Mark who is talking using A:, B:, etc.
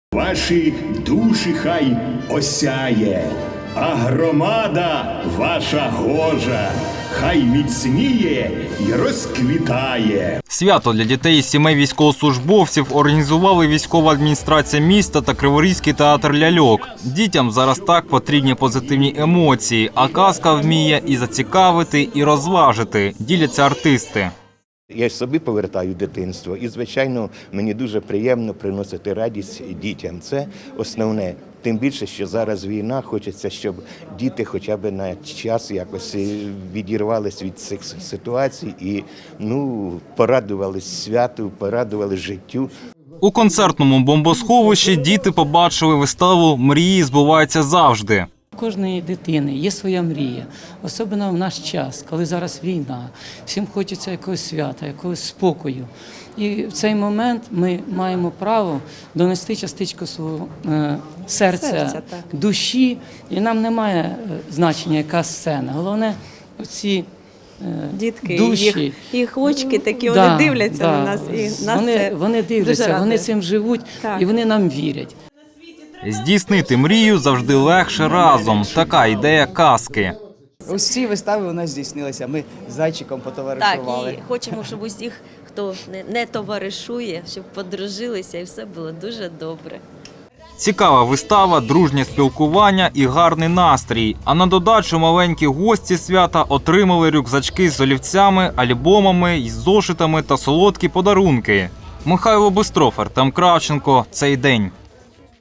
A: Ваші душі хай осяє, а громада ваша гожа хай міцніє й розквітає.
B: Свято для дітей із сімей військовослужбовців організували військова адміністрація міста та Криворізький театр ляльок. Дітям зараз так потрібні позитивні емоції, а казка вміє і зацікавити, і розважити, діляться артисти.
C: Я собі повертаю дитинство і, звичайно, мені дуже приємно приносити радість дітям. Це основне. Тим більше, що зараз війна, хочеться, щоб діти хоча б на час якось відірвались від цих ситуацій і порадувались святу, порадувались життю.
B: У концертному бомбосховищі діти побачили виставу «Мрії збуваються завжди».
D: У кожної дитини є своя мрія, особливо в наш час, коли зараз війна, всім хочеться якогось свята, якогось спокою. І в цей момент ми маємо право донести частичку свого серця, душі, і нам немає значення, яка сцена. Головне, оці
E: дітки,
D: душі.
E: їх очки такі, вони дивляться на нас. І нас
D: вони дивляться, вони цим живуть, і вони нам вірять.
B: Здійснити мрію завжди легше разом. Така ідея казки.
F: Ось ці вистави у нас здійснилися. Ми з зайчиком потоваришували.
G: Так, і хочемо, щоб усіх, хто не товаришує, щоб подружилися і все було дуже добре.
B: Цікава вистава, дружнє спілкування і гарний настрій. А на додачу маленькі гості свята отримали рюкзачки з олівцями, альбомами, із зошитами та солодкі подарунки. Михайло Бистров, Артем Кравченко. Цей день.